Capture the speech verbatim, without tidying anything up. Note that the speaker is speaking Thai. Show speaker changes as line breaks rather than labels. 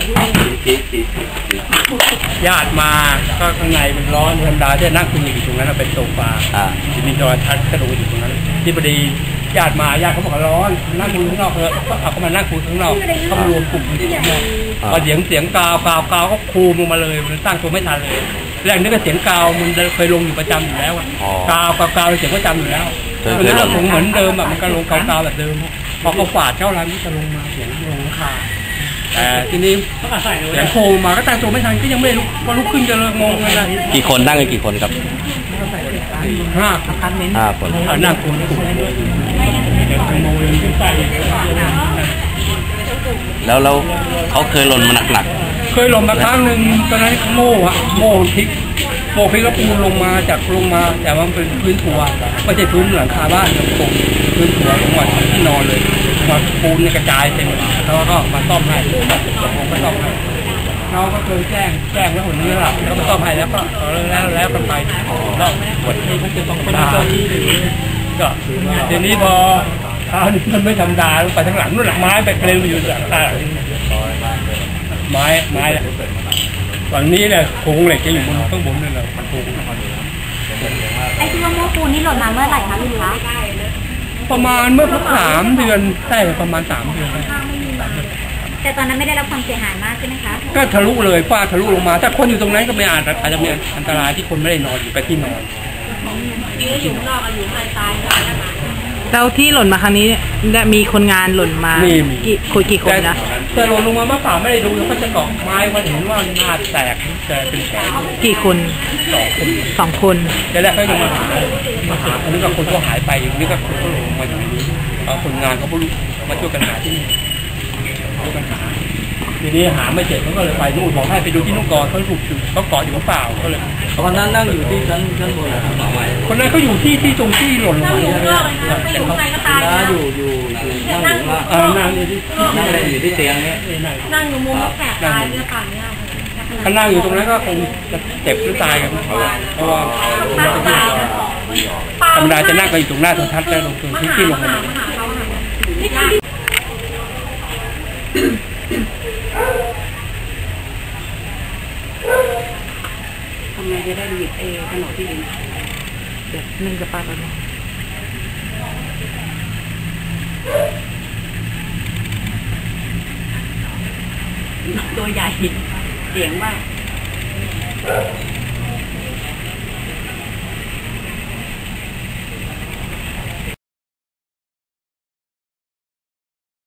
ญาติมาก็ข้างในมันร้อนธรรมดาที่นั่งคุยอยู่ตรงนั้นเป็นโซฟาจะมีจอทัศน์กระดูกอยู่ตรงนั้นที่พอดีญาติมาญาติเขาบอกร้อนนั่งคุยข้างนอกเถอะเอาเขามานั่งคุยข้างนอกเขารวมกลุ่มอยู่ข้างนอกพอเสียงเสียงกาวกาวกาวก็คูมลงมาเลยมันตั้งตัวไม่ทันเลยแรกนึกว่าเสียงกาวมันเคยลงอยู่ประจำอยู่แล้วกาวกาวกาวเสียงประจำอยู่แล้วมันเรื่องของเหมือนเดิมแบบมันก็ลงกาวกาวแบบเดิมพอเขาฝาดเจ้าร้านที่จะลงมาเสียงลงราคาแต่ทีนี้เสียงโคมาก็ตั้งตัวไม่ทันก็ยังไม่ลุกพอลุกขึ้นจะเลยงงอะไร
กี่คนนั่งกันกี่คนครับ
ห้า
ห้าคน
นั่งคุย
แล้วแล้วเขาเคยหล่นมาหนัก
ๆเคยหล่นมาครั้งหนึ่งตอนนั้นโม่อะโม่พลิกโม่พลิกแล้วปูนลงมาจากลงมาแต่ว่าเป็นพื้นถั่วไม่ใช่พื้นหลังคาบ้านตรงพื้นถั่วลงมาที่นอนเลยมาปูนกระจายเต็มแล้วก็มาซ่อมให้ผมก็ซ่อมให้น้องก็เคยแจ้งแจ้งแล้วคนนี้หลับแล้วก็ซ่อมให้แล้วก็แล้วแล้วกันไปแล้วหมดที่มันจะต้องตาก็ทีนี้พอเท้านี่มันไม่ธรรมดาไปทั้งหลังนู่นหลังไม้ไปเปลวอยู่หลังตาไม้ไม้แหละฝั่งนี้เนี่ยโครงเหล็กจะอยู่บนข้างบนนั่นแหละโครง
ไอ้ที่ว่าโม้ปูนนี่หล่นมาเมื่อไหร่คะลุงคะ
ประมาณเมื่อสักสามเดือนใช่ประมาณสามเดือน
แต่ตอนนั้นไม่ได้รับความเสียหายมากใช่ไหมคะ
ก็ทะลุเลยฝ้าทะลุลงมาถ้าคนอยู่ตรงนั้นก็ไม่อาจอาจจะมีอันตรายที่คนไม่ได้นอนอยู่ไปที่นอน
อยู่นอกอายุไม่ตาย
แล้วที่หล่นมาครั้งนี้มีคนงานหล่นมากี่คนกี่คนนะ
แต่หล่นลงมาเมื่อป่าไม่ได้ดูแล้วก็จะเกาะไม้มาเห็นว่าหน้าแตกแต่เป็นแผล
กี่คน
สองคน
สองคน
แต่แรกก็ยังมาหามาหาอันนี้ก็คนก็หายไปอย่างนี้ก็คนก็ลงมาอย่างนี้เอาคนงานเขามาช่วยกันหาที่นี่ช่วยกันหาทีนี้หาไม่เสร็จเขาก็เลยไปนู่นบอกให้ไปดูที่นู่นก่อนเขาถูกเขาเกาะอยู่เปล่าก็เลย
คนนั้นนั่งอยู่ที่ชั้นชั้นบนนะครับ
คนนั้นเขาอยู่ที่ที่ตรงที่หล่นลงมา
แต่เขา
นั่งอยู่อยู่นั่งอยู่ว่า
นั่งอยู่ที่
นั่งอยู่ที่เตียงนี้
นั่งอยู่มุมแปะตายเนี่ยป่านเนี่ย
ถ้านั่งอยู่ตรงนั้นก็คงจะเจ็บหรือตายกันเพราะว่าธรรมดาจะนั่งกันอยู่ตรงหน้าโทรทัศน์แล้วลงตรงที่ที่ลงมา
ทำไงจะได้หยิบเอขนมที่ดินเดี๋ยวนึ่งจะปาดแล้วตัวใหญ่เสียงมาก